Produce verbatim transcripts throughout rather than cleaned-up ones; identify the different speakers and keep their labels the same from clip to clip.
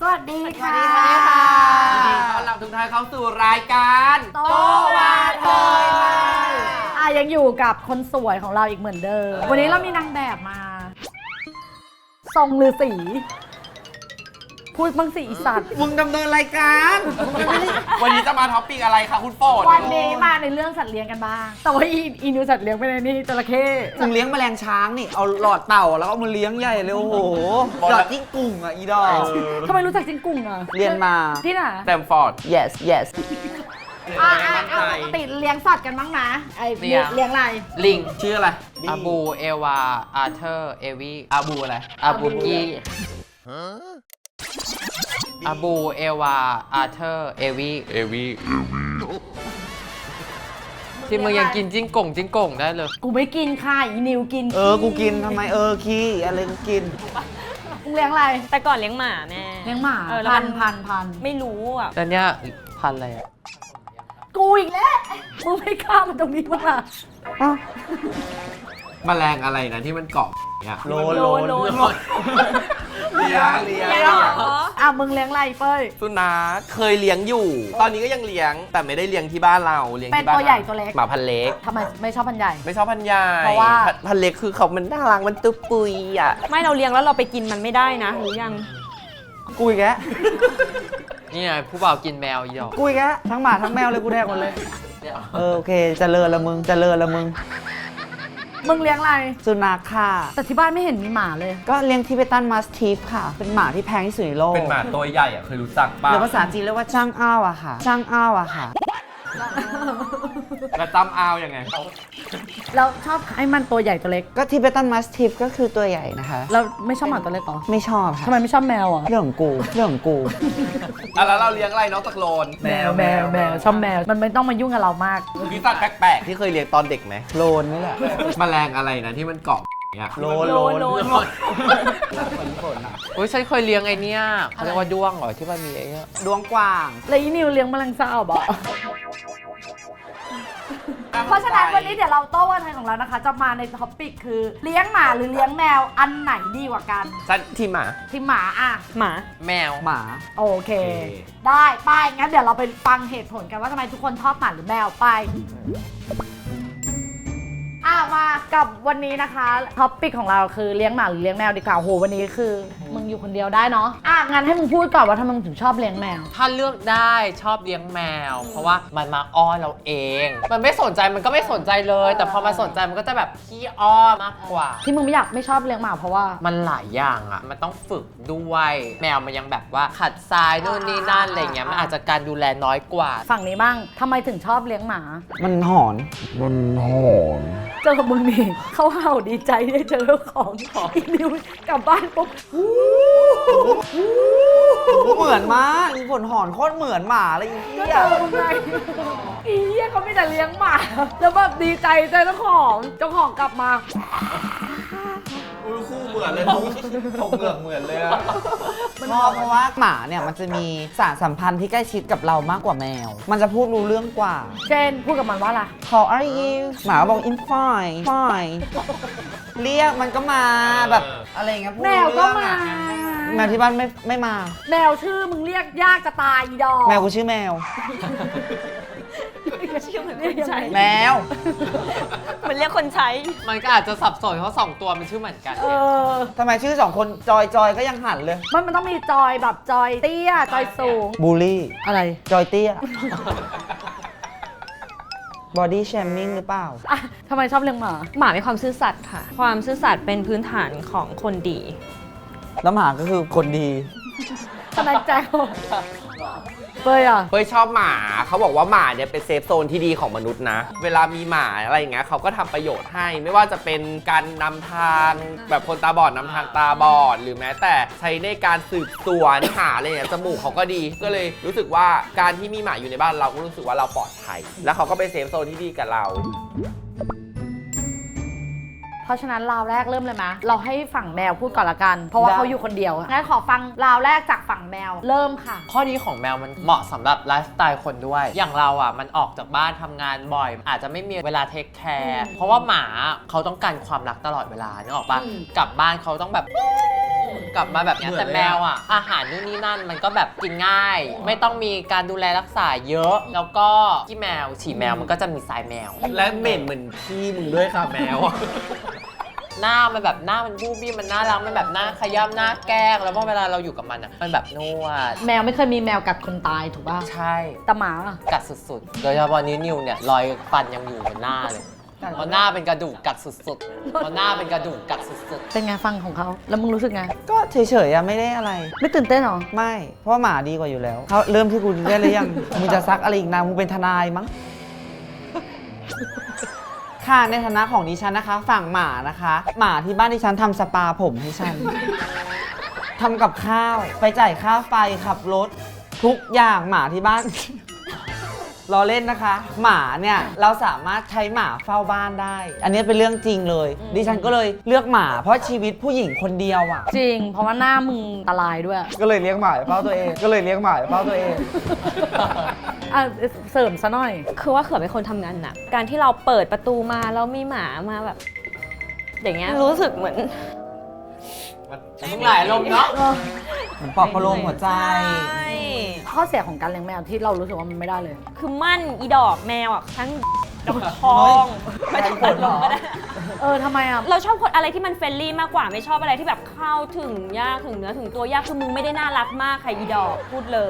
Speaker 1: วัสดีค่ะ
Speaker 2: สวัสดีค่ะยินดีต้อนรับทุกท่านเข้าสู่รายการโตวาเทยค่ะ
Speaker 1: อ่ะยังอยู่กับคนสวยของเราอีกเหมือนเดิม วันนี้เรามีนางแบบมา ทรงฤาษีพูดบ้างสิอีสัตว์
Speaker 2: มึงดำเนินรายการวันนี้จะมาท็อปปิ้งอะไรคะคุณโฟน
Speaker 1: วันนี้มาในเรื่องสัตว์เลี้ยงกันบ้าง แต่ว่าอีอีนิวสัตว์เลี้ยงไปในนี่จระเข้
Speaker 3: มึงเลี้ยงแมลงช้างนี่เอาหลอดเต่าแล้วก็มาเลี้ยงใหญ่เลยโอ้โหหลอดจิ้งกุ่งอ่ะอีดอก
Speaker 1: ทำไมรู้จักจิงกุ่งอ่ะ
Speaker 3: เรียนมา
Speaker 1: ที่ไหน
Speaker 2: แตมฟอร์ด
Speaker 3: yes yes
Speaker 1: อ่ะอ่ะอ่ะปกติเลี้ยงสัตว์กันบ้างนะไอ้เลี้ยงเลี้ยงอะไร
Speaker 2: ลิงชื่ออะไร
Speaker 4: อาบู เอวา อาเธอร์ เอวีอาบูอะไร อาบูกี้อาบู เอวา อาเธอร์ เอวีเอวีที่มึงยังกินจิ้งก่งจิ้งก่งได้เลย
Speaker 1: กูไม่กินค่ะอีนิวกิน
Speaker 3: เออกูกินทำไมเออขี้อะไรกูกิน
Speaker 1: มึงเลี้ยงอะไร
Speaker 5: แต่ก่อนเลี้ยงหมาแม่
Speaker 1: เลี้ยงหมา
Speaker 5: เออแล้ว
Speaker 1: พั
Speaker 5: มัน น
Speaker 1: พันพัน
Speaker 5: ไม่รู้อ่ะ
Speaker 4: แล้วเนี้ยพันธุ์อะไรอ่ะ
Speaker 1: กูอีกแล้วมึงไม่ข้ามมาตรงนี้มั้งล่ะ
Speaker 2: แมลงอะไรนะที่มันเกาะเนี่ย
Speaker 3: โลนโลน
Speaker 5: โลน
Speaker 2: เลี้ยงเลี้ยง
Speaker 5: เลี้ยงเหรอ
Speaker 1: อ่ะมึงเลี้ยงอะไรเป้ย
Speaker 6: สุนัขเคยเลี้ยงอยู่ ตอนนี้ก็ยังเลี้ยง แต่ไม่ได้เลี้ยงที่บ้านเราเลี้ยง
Speaker 1: เป็น
Speaker 6: ที่บ้าน
Speaker 1: ตัวใหญ่ตัวเล็ก
Speaker 6: หมาพันธุ์เล็ก
Speaker 1: ทำไมไม่ชอบพันธุ์ใหญ่
Speaker 6: ไม่ชอบพันธุ์ใหญ่
Speaker 1: เพราะว่า
Speaker 6: พันพันธุ์เล็กคือเขามันน่ารักมันตุ๊ปุยอ่ะ
Speaker 5: ไม่เราเลี้ยงแล้วเราไปกินมันไม่ได้นะหรือยัง
Speaker 3: กูอีกแล้ว
Speaker 4: นี่ไงผู้บ่าวกินแมวอีดอก
Speaker 3: กูอีกแล้วทั้งหมาทั้งแมวเลยกูแดกหมดเลยเออโอเคเจริญละมึงเจริญละมึง
Speaker 1: มึงเลี้ยงอะไร
Speaker 3: สุนัขค่ะ
Speaker 1: แต่ที่บ้านไม่เห็นมีหมาเลย
Speaker 3: ก็เลี้ยงทิเบตันมาสทีฟค่ะ เป็นหมาที่แพงที่สุดในโลก
Speaker 6: เป็นหมาตัวใหญ่อ่ะเคยรู้จักป่ะ
Speaker 3: หรือภาษาจีนเรียกว่าจ้างอ้าวอะค่ะจ้างอ้าวอะค่ะ
Speaker 6: แล้วจำเอายังไง
Speaker 1: แล้วชอบให้มันตัวใหญ่ตัวเล็ก
Speaker 3: ก็ทิเบตันมาสทีฟก็คือตัวใหญ่นะคะ
Speaker 1: แล้วไม่ชอบหมาตัวเล็กเหรอ
Speaker 3: ไม่ชอบ
Speaker 1: ทำ
Speaker 3: ค่ะ
Speaker 1: ไมไม่ชอบแมวอ่ะ
Speaker 3: เรื่องของกูเรื่องของกู
Speaker 6: อ่ะแล้วเราเลี้ยงอะไรนอกจากโลน
Speaker 1: แมวแมวแมวชอบแมว มันไม่ต้องมายุ่งกับเรามาก
Speaker 6: มีสัตว์แปลกๆที่เคยเลี้ยงตอนเด็กไหม
Speaker 3: โลนนี่แหละ
Speaker 2: แมลงอะไรนะที่มันเกาะเนี่ย
Speaker 3: โลนโลน
Speaker 5: โลน
Speaker 4: อุ้ยฉันเคยเลี้ยงไอเนี้ยเขาเรียกว่าด้วงเหรอที่มันมีไอ้เนี้ย
Speaker 3: ดวงกว่าง
Speaker 1: แล้วอีนิวเลี้ยงแมลงสาบอ่ะ เพราะฉะนั้นวันนี้เดี๋ยวเราโต้วันไทยของเรานะคะ จะมาในท็อปปิกคือเลี้ยงหมาหรือเลี้ยงแมวอันไหนดีกว่ากัน
Speaker 6: สัตว์ที่หมา
Speaker 1: ที่หมาอ่ะ
Speaker 5: หมา
Speaker 4: แมว
Speaker 3: หมา
Speaker 1: โอเค ได้ไปงั้นเดี๋ยวเราไปฟังเหตุผลกันว่าทำไมทุกคนชอบหมาหรือแมวไปอ่ะมากับวันนี้นะคะท็อปปิกของเราคือเลี้ยงหมาหรือเลี้ยงแมวดีกว่าโหวันนี้คือมึงอยู่คนเดียวได้เนาะอ่ะงั้นให้มึงพูดก่อนว่าทำไมมึงถึงชอบเลี้ยงแมว
Speaker 4: ถ้าเลือกได้ชอบเลี้ยงแมว เพราะว่ามันมาอ้อนเราเอง มันไม่สนใจมันก็ไม่สนใจเลย แต่พอมาสนใจมันก็จะแบบขี้อ้อนมากกว่า
Speaker 1: ที่มึงไม่อยากไม่ชอบเลี้ยงหมาเพราะว่า
Speaker 4: มันหลายอย่างอ่ะ มันต้องฝึกด้วย แมวมันยังแบบว่าขัดทรายนู่นนี่นั่นอะไรเงี้ย มันอาจจะการดูแลน้อยกว่า
Speaker 1: ฝั่งนี้บ้างทำไมถึงชอบเลี้ยงหมา
Speaker 3: มันหอน
Speaker 1: เจอมึงนี่เขาเห่าดีใจได้เจอเจ้าของอีนิวกลับบ้านปุ๊บ
Speaker 3: เหมือนมากอีฝนหอนโคตรเหมือนหมาเลยอี
Speaker 1: ก็
Speaker 3: เหี้
Speaker 1: เจ
Speaker 3: ย
Speaker 1: อมึงไงอีเหี้ยเขาไม่แต่เลี้ยงหมาแล้วแบบดีใจเจอเจ้าของเจ้าของกลับมา
Speaker 6: อุ้ยคู่เหมือนเลยทุกถกเหงือกเหมือนเลยอะ
Speaker 3: ชอบเพราะว่าหมาเนี่ยมันจะมีสารสัมพันธ์ที่ใกล้ชิดกับเรามากกว่าแมว มันจะพูดรู้เรื่องกว่า
Speaker 1: เจนพูดกับมันว่าอะไร
Speaker 3: How are you หมาบอก I'm fine fine เรียกมันก็มาแบบอะไรอย่างเงี้ยพูด
Speaker 1: แม
Speaker 3: รู้
Speaker 1: วก็
Speaker 3: เรื่อง
Speaker 1: มา
Speaker 3: อะแมวที่บ้านไม่ไม่มา
Speaker 1: แมวชื่อมึงเรียกยากจะตายอีดอก
Speaker 3: แมวกูชื่อแมว
Speaker 5: ชื่อเหมือนคนใช้
Speaker 3: แมว
Speaker 5: เหมือนเรียกคนใช้
Speaker 4: มันก็อาจจะสับสนเพราะสองตัวมันชื่อเหมือนกัน
Speaker 1: เออ
Speaker 3: ทำไมชื่อสองคนจอยจอยก็ยังหันเลย
Speaker 1: มันมันต้องมีจอยแบบจอยเตี้ยจอยสูง
Speaker 3: บูลลี่
Speaker 1: อะไร
Speaker 3: จอยเตี้ย บอดี้แชมมิ่งหรือเปล่า
Speaker 1: อ่ะทำไมชอบเลี้ยงหมา
Speaker 5: หมามีความซื่อสัตย์ค่ะ ความซื่อสัตย์เป็นพื้นฐานของคนดี
Speaker 3: แล้วหมาก็คือคนดี
Speaker 1: ทนายแจ็คเปยอ่ะ
Speaker 6: เฮ้ยชอบหมาเขาบอกว่าหมาเนี่ยเป็นเซฟโซนที่ดีของมนุษย์นะ เวลามีหมาอะไรอย่างเงี้ยเขาก็ทำประโยชน์ให้ ไม่ว่าจะเป็นการนำทางแบบคนตาบอดนำทางตาบอด หรือแม้แต่ใช้ในการสืบสวนหาอะไรอย่างเงี้ยจมูกเขาก็ดี ก็เลยรู้สึกว่าการที่มีหมาอยู่ในบ้านเราก็รู้สึกว่าเราปลอดภัย แล้วเขาก็เป็นเซฟโซนที่ดีกับเรา
Speaker 1: เพราะฉะนั้นราวแรกเริ่มเลยมะเราให้ฝั่งแมวพูดก่อนละกัน เพราะว่า
Speaker 3: ได้
Speaker 1: เขาอยู่คนเดียวงั้นขอฟังราวแรกจากฝั่งแมวเริ่มค่ะ
Speaker 4: ข้อดีของแมวมันเหมาะสำหรับไลฟ์สไตล์คนด้วย อย่างเราอ่ะมันออกจากบ้านทำงานบ่อย อาจจะไม่มีเวลาเทคแคร์เพราะว่าหมาเขาต้องการความรักตลอดเวลานึกออกปะ
Speaker 1: อืม
Speaker 4: กลับบ้านเขาต้องแบบกลับมาแบบเนี้ย
Speaker 6: เหมือน
Speaker 4: แต่
Speaker 6: เลยอะ
Speaker 4: แมวอ่ะอาหารนู่นนี่นั่นมันก็แบบกินง่าย ไม่ต้องมีการดูแลรักษาเยอะ แล้วก็ขี้แมวฉี่แมวมันก็จะมีทรายแมว
Speaker 6: และเหม็นเหมือนพี่มึงด้วยค่ะแมว
Speaker 4: หน้ามันแบบหน้ามันบูบี้มันน่ารักมันแบบหน้าขย้ำหน้าแกล้งแล้วพอเวลาเราอยู่กับมันอ่ะมันแบบนวด
Speaker 1: แมวไม่เคยมีแมวกัดคนตายถูกป่ะ
Speaker 4: ใช่
Speaker 1: แต่หมาอะ
Speaker 4: กัดสุดๆ โดยเฉพาะนิ้วนิวเนี่ยรอยฟันยังอยู่บนหน้าเลยเพราะหน้าเป็นกระดูกกัดสุดๆเพราะหน้าเป็นกระดูกกัดสุด
Speaker 1: เป็นไงฟังของเขาแล้วมึงรู้สึกไง
Speaker 3: ก็เฉยๆอะไม่ได้อะไร
Speaker 1: ไม่ตื่นเต้นหรอ
Speaker 3: ไม่ เพราะว่าหมาดีกว่าอยู่แล้วเขาเริ่มที่กูได้หรือยัง มึงจะซักอะไรอีกนะมึงเป็นทนายมั้ง ค่ะในฐานะของดิฉันนะคะ ฝั่งหมานะคะ หมาที่บ้านดิฉันทำสปาผมให้ฉัน ทำกับข้าว ไปจ่ายค่าไฟขับรถ ทุกอย่างหมาที่บ้าน รอเล่นนะคะ หมาเนี่ยเราสามารถใช้หมาเฝ้าบ้านได้ อันนี้เป็นเรื่องจริงเลย ดิฉันก็เลยเลือกหมาเพราะชีวิตผู้หญิงคนเดียวอ่ะ
Speaker 1: จริง เพราะว่าหน้ามึงอันตรายด้วย
Speaker 3: ก็เลยเลี้ยงหมาเฝ้าตัวเอง ก็เลยเลี้ยงหมาเฝ้าตัวเอง
Speaker 1: อ่ะเสริมซะหน่อย
Speaker 5: คือว่าเขือเป็นคนทำงานหนักการที่เราเปิดประตูมาแล้วมีหมามาแบบ อย่างเงี้ยรู้สึกเหมือน
Speaker 4: ๆมึงหลายลมณ์เนาะ
Speaker 3: เหมือนปลอบประโลมหัวใจ
Speaker 5: ใช่
Speaker 1: ข้อเสียของการเลี้ยงแมวที่เรารู้สึกว่ามันไม่ได้เลย
Speaker 5: คือมั่นอีดอกแมวอ่ะทั้งดอกทองไม่ต้องตัดลงก็ได้
Speaker 1: เออทำไมอ่ะ
Speaker 5: เราชอบคนอะไรที่มันเฟรนลี่มากกว่าไม่ชอบอะไรที่แบบเข้าถึงยากถึงเนื้อถึงตัวยากคือมึงไม่ได้น่ารักมากใครอีดอกพูดเลย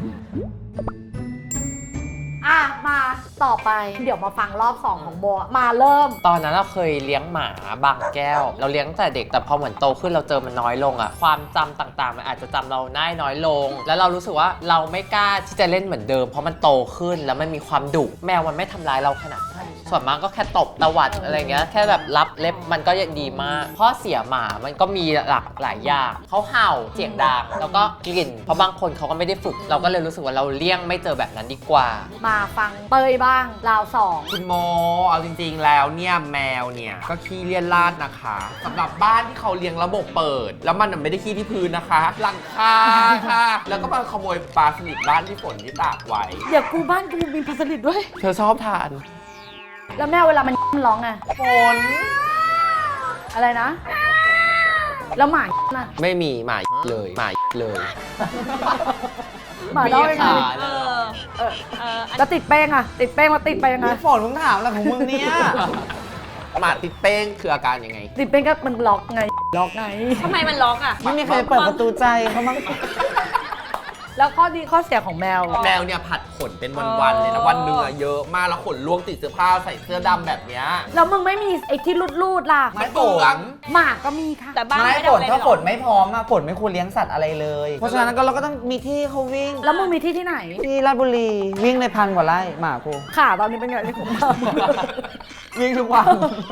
Speaker 1: อ่ะมาต่อไปเดี๋ยวมาฟังรอบสองของโบมาเริ่ม
Speaker 4: ตอนนั้นเราเคยเลี้ยงหมาบางแก้ว เราเลี้ยงตั้งแต่เด็กแต่พอเหมือนโตขึ้นเราเจอมันน้อยลงอะความจำต่างๆ มันอาจจะจำเราได้น้อยลง แล้วเรารู้สึกว่าเราไม่กล้าที่จะเล่นเหมือนเดิมเพราะมันโตขึ้นแล้วมันมีความดุแมวมันไม่ทำร้ายเราขนาดนั้นส่วนมากก็แค่ตบตวัดอะไรเงี้ยแค่แบบรับเล็บมันก็ยังดีมากข้อเสียหมามันก็มีหลากหลายอย่างเขาเห่าเสียงดังแล้วก็กลิ่นเพราะบางคนเขาก็ไม่ได้ฝึก เราก็เลยรู้สึกว่าเราเลี่ยงไม่เจอแบบนั้นดีกว่า
Speaker 1: มาฟังเตยบ้างราวสอง
Speaker 6: คุณโมเอาจริงๆแล้วเนี่ยแมวเนี่ยก็ขี้เลียนลาดนะคะสำหรับบ้านที่เขาเลี้ยงระบบเปิด แล้วมันนะไม่ได้ขี้ที่พื้นนะคะ หลังคาค่ะ แล้วก็มาขโมยปลาสลิดบ้านที่ฝนที่ตากไว้
Speaker 1: เดี๋ยวกูบ้านกูมีปลาสลิดด้วย
Speaker 6: เธอชอบทาน
Speaker 1: แล้วแมวเวลามันมันร้องไง
Speaker 6: ฝน
Speaker 1: อะไรนะ แล้วหมาน่ะ
Speaker 6: ไม่มีหมาเลยหมาเลย
Speaker 1: หมาร้องยังไง
Speaker 4: มีขา
Speaker 5: เออเออเอออัน
Speaker 1: แล้วติดแป้งอะติดแป้งแล้วติดไปยังไง
Speaker 3: ฝนมึงถามอะไรของมึงเนี่ย
Speaker 6: หมาติดเป้งคืออาการยังไง
Speaker 1: ติดแป้งก็มันล็อกไงล็อกไง
Speaker 5: ทำไมมันล็อกอ่ะ
Speaker 3: ไม่มีใครเปิดประตูใจเขามั้ง
Speaker 1: แล้วข้อดีข้อเสียของแมว
Speaker 6: แมวเนี่ยผัดขนเป็นวันๆเลยนะวันหนึ่งอะเยอะมากแล้วขนล่วงติดเสื้อผ้าใส่เสื้อดำแบบเนี้ย
Speaker 1: แล้วมึงไม่มีไอ้ที่รูดๆล่ะ
Speaker 6: ไม่เปลือง
Speaker 1: หมาก็มีค่ะ
Speaker 5: แต่บ้าน
Speaker 3: ไม่
Speaker 5: ไม่ได้
Speaker 3: ฝ
Speaker 5: เอา
Speaker 3: น
Speaker 5: อะไร
Speaker 3: ถ้า
Speaker 5: ไปหร
Speaker 3: ฝ
Speaker 5: อก
Speaker 3: นไม่พร้อมอะฝนไม่ควรเลี้ยงสัตว์อะไรเลย เพราะฉะนั้นก็เราก็ต้องมีที่ให้เขาวิ่ง
Speaker 1: แล้วมึงมีที่ที่ไหน
Speaker 3: ที่ราชบุรีวิ่งในพันกว่าไร่หมากู
Speaker 1: ขาตอนนี้เป็นไงที่ผมท
Speaker 3: วิ่งทุกวัน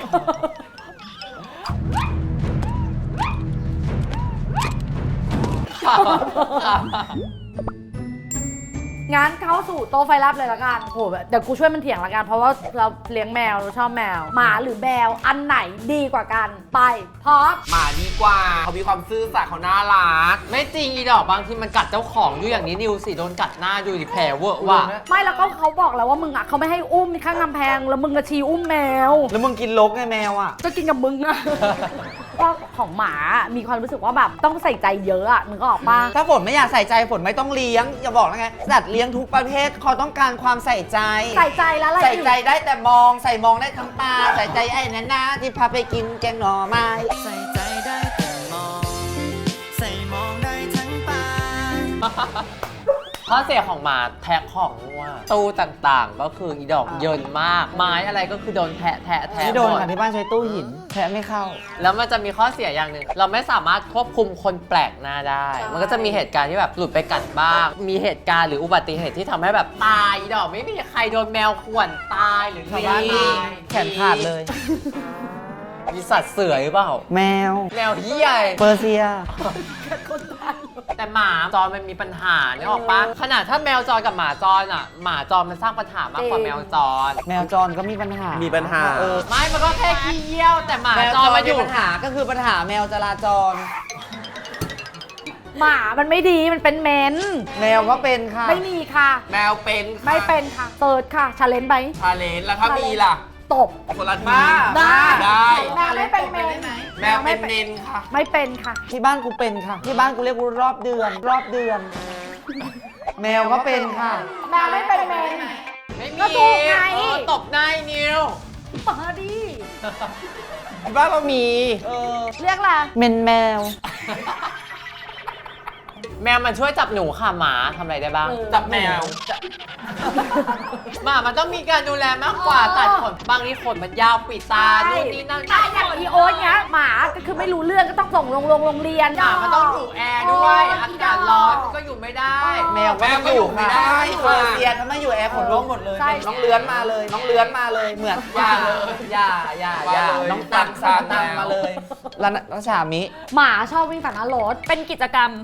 Speaker 1: งั้นเข้าสู่โต๊ะไฟลับเลยละกันโหเดี๋ยวกูช่วยมันเถียงละกัน เพราะว่าเราเลี้ยงแมวเราชอบแมว หมาหรือแมวอันไหนดีกว่ากัน ไปพร้อม
Speaker 6: หมาดีกว่าเขามีความซื่อสัตย์เขาน่ารัก
Speaker 4: ไม่จริงอีดอกบางทีมันกัดเจ้าของดูอย่างนี้นิวสิโดนกัดหน้าดูดิแผลเวอะว่ะ
Speaker 1: ไม่แล้วก็เขาบอกแล้วว่ามึงอ่ะเขาไม่ให้อุ้มข้างกำแพงแล้วมึงกระชีอุ้มแมว
Speaker 3: แล้วมึงกินลกไงแมวอะ
Speaker 1: ก็กินกับมึงอะ ก็ของหมา มีความรู้สึกว่าแบบต้องใส่ใจเยอะอะมึงก็ออกปะ
Speaker 3: ถ้าฝนไม่อยากใส่ใจฝนไม่ต้องเลี้ยง อย่าบอกนะไงสัตว์เลี้ยงทุกประเภทเขาต้องการความใส่ใจ
Speaker 1: ใส่ใจแล้วอะไร
Speaker 3: ใส่
Speaker 1: อีก
Speaker 3: ใจได้แต่มองใส่มองได้ทั้งตาใส่ใจไอ้นั่นนะที่พาไปกินแกงหน่อไม้
Speaker 7: ใส่ใจได้แต่มอง ใส่มองได้ทั้งตา
Speaker 4: ข้อเสียของหมาแทะของงัวตู้ต่างๆ ก็คืออีดอกเยินมาก ไม้อะไรก็คือโดนแทะแทะแทะ
Speaker 3: ที่โดน
Speaker 4: หมด
Speaker 3: ค่ะที่บ้านใช้ตู้หินแทะไม่เข้า
Speaker 4: แล้วมันจะมีข้อเสียอย่างหนึ่งเราไม่สามารถควบคุมคนแปลกหน้าได้ มันก็จะมีเหตุการณ์ที่แบบหลุดไปกัดบ้าง มีเหตุการณ์หรืออุบัติเหตุที่ทำให้แบบตายอีดอกไม่มีใครโดนแมวข่วนตายหรือ
Speaker 3: ชาวบ้านตาย แขนขาดเลย
Speaker 4: มีสัตว์เสือหรือเปล่า
Speaker 3: แมว
Speaker 4: แมวเหี้ย
Speaker 3: เปอร์เซีย
Speaker 4: แต่หมาจรมันมีปัญหาเนี่ยออกปะขนาดถ้าแมวจรกับหมาจรอ่ะหมาจรมันสร้างปัญหามากกว่าแมวจร
Speaker 3: แมวจรก็มีปัญหา
Speaker 6: มี
Speaker 3: มี
Speaker 6: ปัญหา
Speaker 3: เออ
Speaker 4: ไม่มันก็แค่ขี้เยี่ยวแต่หมา
Speaker 3: แมว
Speaker 4: จ
Speaker 3: จ
Speaker 4: ร
Speaker 3: ร
Speaker 4: มา
Speaker 3: มา
Speaker 4: อ
Speaker 3: อยู่ ยู่ปัญหาก็คือปัญหาแมวจราจร
Speaker 1: หมามันไม่ดีมันเป็นเมน
Speaker 3: แมวก็เป็นค่ะ
Speaker 1: ไม่มีค่ะ
Speaker 6: แมวเป็นค่ะ
Speaker 1: ไม่เป็นค่ะเปิดค่ะชาเลนจ์ไป
Speaker 6: ชาเลนจ์แล้วถ้ามีล่ะ
Speaker 1: ตบ
Speaker 6: คนละบ้า
Speaker 1: ได้
Speaker 6: ได้
Speaker 1: แมวไม่เป็นเมน
Speaker 6: แมวเป็นเมนค่ะ
Speaker 1: ไม่เป็นค่ะ
Speaker 3: ที่บ้านกูเป็นค่ะ ที่บ้านกูเรียกว่ารอบเดือน รอบเดือน แมวก็เป็นค่ะ
Speaker 1: แมวไม่เป็นเมน
Speaker 4: ไม่มี
Speaker 1: ก็ถูกไง
Speaker 4: เออตบหน้าไอ้นิว
Speaker 1: มาดิ
Speaker 6: ที่บ้านเรามี
Speaker 3: เออ
Speaker 1: เรียกอะไร
Speaker 3: เมนแมว
Speaker 4: แมวมันช่วยจับหนูค่ะหมาทำอะไรได้บ้าง
Speaker 6: จับแมว
Speaker 4: หมามันต้องมีการดูแลมากกว่าตัดขนบางทีขนมันยาวปิดตานู่นนี่นั่น
Speaker 1: ใช่อย่างอีโอ๊ตเนี้ยหมาก็คือไม่รู้เรื่องก็ต้องส่งลงโรงโรงเรียน
Speaker 4: หมามันต้องอยู่แอร์ด้วยอากาศร้อนมันก็อยู่ไม่ได้
Speaker 3: แมวก็ไม่อยู่ค่ะ
Speaker 6: แมวก็อยู่ไม่ได้ค่ะ
Speaker 3: เซียนถ้าไม่อยู่แอร์ขนร่วงหมดเลย
Speaker 1: ใช่
Speaker 3: น้องเลื้อนมาเลย น้องเลื้อนมาเลย เหมือนอย่าเลยอย่าอย่าอย่า
Speaker 6: มาเลย
Speaker 3: น้องตัง
Speaker 6: ตั
Speaker 3: สาง
Speaker 6: แมว
Speaker 3: ตังมาเลยแล้วแล้วฉามิ
Speaker 1: หมาชอบวิ่งตัดหน้ารถ
Speaker 5: เป็นกิจกรรม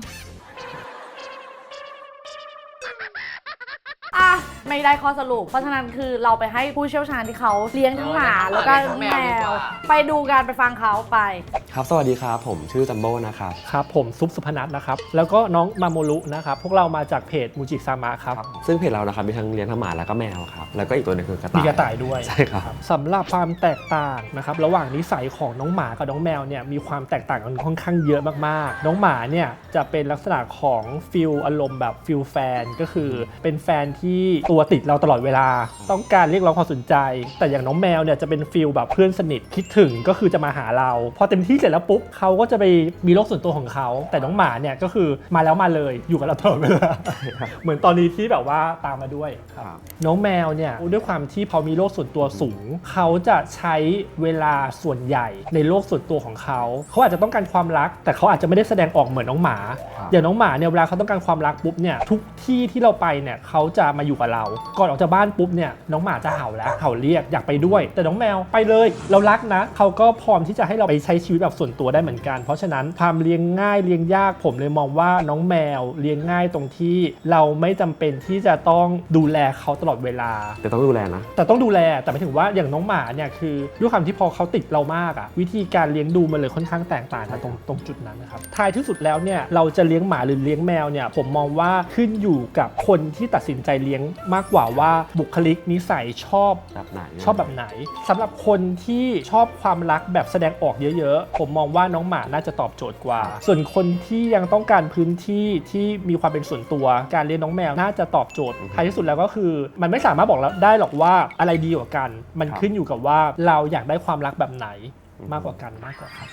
Speaker 1: อ่ะไม่ได้ข้อสรุป เพราะฉะนั้นคือเราไปให้ผู้เชี่ยวชาญที่เขาเลี้ยงทั้งหมาแล้วก็แมว ไปดูกันไปฟังเขาไป
Speaker 8: ครับ สวัสดีครับ ผมชื่อจัมโบ้นะครับ
Speaker 9: ครับผมซุปสุพนัทนะครับแล้วก็น้องมาโมรุนะครับพวกเรามาจากเพจมูจิซามะครับ
Speaker 8: ซึ่งเพจเรานะครับมีทั้งเลี้ยงทั้งหมาแล้วก็แมวครับ แล้วก็อีกตัวหนึงคือกระต่าย
Speaker 9: มีกระต่ายด้วย
Speaker 8: ใช่ครับ
Speaker 9: สำหรับความแตกต่างนะครับระหว่างนิสัยของน้องหมากับน้องแมวเนี่ยมีความแตกต่างกันค่อนข้างเยอะมากๆน้องหมาเนี่ยจะเป็นลักษณะของฟิลอารมณ์แบบฟิลแฟนก็คือเป็นแฟนที่ตัวติดเราตลอดเวลาต้องการเรียกร้องความสนใจ แต่อย่างน้องแมวเนี่ยจะเป็นฟิลแบบเพื่อนสนิทคิดถึงก็คือจะมาหาเราพอเต็มที่เสร็จแล้วปุ๊บเขาก็จะไปมีโลกส่วนตัวของเขาแต่น้องหมาเนี่ยก็คือมาแล้วมาเลยอยู่กับเราตลอดเวลา เหมือนตอนนี้ที่แบบว่าตามมาด้วยครับ น้องแมวเนี่ยด้วยความที่พอมีโลกส่วนตัวสูงเขาจะใช้เวลาส่วนใหญ่ในโลกส่วนตัวของเขาเขาอาจจะต้องการความรักแต่เขาอาจจะไม่ได้แสดงออกเหมือนน้องหมาอย่างน้องหมาเนี่ยเวลาเขาต้องการความรักปุ๊บเนี่ยทุกที่ที่เราไปเนี่ยเขาจะมาอยู่กับเราก่อนออกจากบ้านปุ๊บเนี่ยน้องหมาจะเห่าแล้วเห่าเรียกอยากไปด้วยแต่น้องแมวไปเลยเรารักนะเขาก็พร้อมที่จะให้เราไปใช้ชีวิตแบบส่วนตัวได้เหมือนกันเพราะฉะนั้นความเลี้ยงง่ายเลี้ยงยากผมเลยมองว่าน้องแมวเลี้ยงง่ายตรงที่เราไม่จำเป็นที่จะต้องดูแลเขาตลอดเวลา
Speaker 8: แต่ต้องดูแลนะ
Speaker 9: แต่ต้องดูแลแต่หมายถึงว่าอย่างน้องหมาเนี่ยคือด้วยความที่พอเขาติดเรามากอะวิธีการเลี้ยงดูมันเลยค่อนข้างแตกต่างกันตรงตรงจุดนั้นนะครับท้ายที่สุดแล้วเนี่ยเราจะเลี้ยงหมาหรือเลี้ยงแมวเนี่ยผมมองว่าขึ้นอยู่กับคนที่ตัดสินใจเลี้ยงมากกว่าว่าบุคลิกนิสัยชอบ
Speaker 8: แบบไหน
Speaker 9: ชอบแบบไหนสำหรับคนที่ชอบความรักแบบแสดงออกเยอะๆผมมองว่าน้องหมาน่าจะตอบโจทย์กว่า ส่วนคนที่ยังต้องการพื้นที่ที่มีความเป็นส่วนตัวการเลี้ยงน้องแมวน่าจะตอบโจทย์ท้ายที่สุดแล้วก็คือมันไม่สามารถบอกได้หรอกว่าอะไรดีกว่ากันมันขึ้นอยู่กับว่าเราอยากได้ความรักแบบไหนมากกว่ากันมากกว่าครับ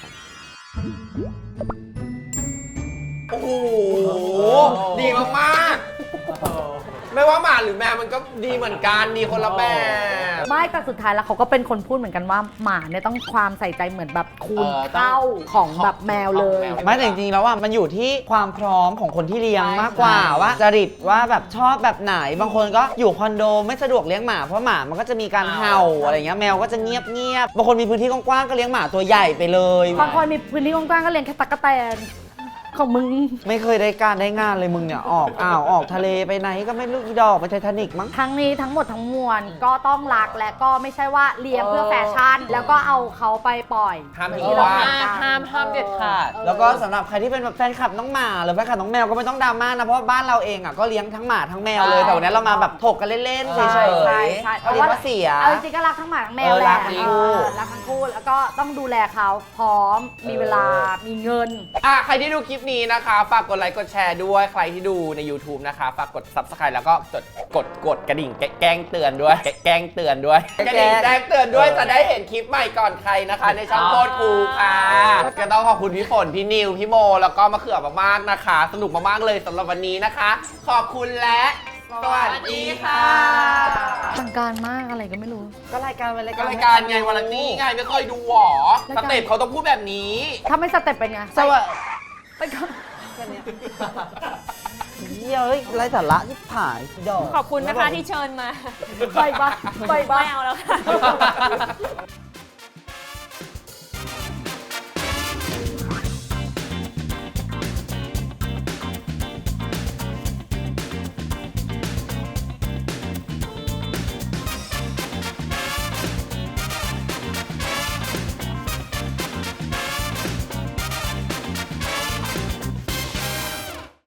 Speaker 6: โอ้โห ดีมากๆ ไม่ว่าหมาหรือแมวมันก็ดีเหมือนกันดีคนละแบบ
Speaker 1: ไม่แต่สุดท้ายแล้วเขาก็เป็นคนพูดเหมือนกันว่าหมาเนี่ยต้องความใส่ใจเหมือนแบบคูณ
Speaker 4: เออต้อง
Speaker 1: เท่าของแบบแมวเลย
Speaker 3: ไม่แต่จริงๆแล้วอ่ะมันอยู่ที่ความพร้อมของคนที่เลี้ยงมากกว่าว่าจริตว่าแบบชอบแบบไหนบางคนก็อยู่คอนโดไม่สะดวกเลี้ยงหมาเพราะหมามันก็จะมีการเห่าอะไรเงี้ยแมวก็จะเงียบเงียบๆบางคนมีพื้นที่กว้างๆก็เลี้ยงหมาตัวใหญ่ไปเลย
Speaker 1: บางคนมีพื้นที่กว้างๆก็เลี้ยงแค่ตั๊กแตนของมึง
Speaker 3: ไม่เคยได้การได้งานเลยมึงเนี่ยออกอ้าวออกทะเลไปไหนก็ไม่รู้อีดอกไปไททานิกมั้ง
Speaker 1: ทั้งนี้ทั้งหมดทั้งมวลก็ต้องรักและก็ไม่ใช่ว่าเลี้ยงเพื่อแฟชั่น แล้วก็เอาเขาไปปล่อย
Speaker 6: ห้าม
Speaker 1: เหมือน
Speaker 6: ทิ้ง
Speaker 1: ที่เรา
Speaker 6: ว่าง
Speaker 1: ทำกัน
Speaker 4: ห้ามห้ามเด็ดขาด
Speaker 3: แล้วก็สำหรับใครที่เป็นแบบแฟนคลับน้องหมาหรือแฟนคลับน้องแมวก็ไม่ต้องดราม่านะเพราะว่าบ้านเราเองอ่ะก็เลี้ยงทั้งหมาทั้งแมวเลย
Speaker 1: ใช่
Speaker 3: แต่วันนี้เรามาแบบถกกันเล่นๆเฉยๆ
Speaker 1: ใช่ใช่ใช่
Speaker 3: เพราะว่าเสีย
Speaker 1: เอาจริงๆก็รักทั้งหมาทั้งแมว
Speaker 3: เออ
Speaker 1: แห
Speaker 3: รั
Speaker 1: ละ
Speaker 3: กทั้ง
Speaker 1: เอ
Speaker 3: คู่
Speaker 1: อรักทั้งคู่แล้วก็ต้องดูแลเขาพร้อม มีเวลามีเงิน
Speaker 6: อ่ะใครที่ดูคลิปนี้นะคะ ฝากกดไลค์กดแชร์ด้วยใครที่ดูใน YouTube นะคะ ฝากกด Subscribe แล้วก็กดกดกดกระดิ่งแกแกล้งเตือนด้วยแกแกล้งเตือนด้วยกระดิ่งแจ้งเตือนด้วยจะได้เห็นคลิปใหม่ก่อนใครนะคะ ในช่องโคตรคูลค่ะก็ต้องขอบคุณพี่ฝนพี่นิวพี่โมแล้วก็มะเขือมากๆนะคะ สนุกมากๆเลยสำหรับวันนี้นะคะ ขอบคุณและสวัสดีค่ะ
Speaker 1: ทางการมากอะไรก็ไม่รู้
Speaker 3: ก็รายการเป็นราย
Speaker 6: ก็
Speaker 3: การ
Speaker 6: รายการไงวันนี้ไงไม่เคยดูหรอสเต็ปเขาต้องพูดแบบนี้
Speaker 1: ถ้าไม่สเต็ปเป็นไง
Speaker 3: สวัสดี
Speaker 1: ไปก่อน
Speaker 3: เหี้ยเฮ้ยไรสาระที่ผายดอก
Speaker 5: ขอบคุณนะคะที่เชิญมา
Speaker 1: ไปบ้าไปบ้า
Speaker 5: ไม่เอาแล้วค่ะ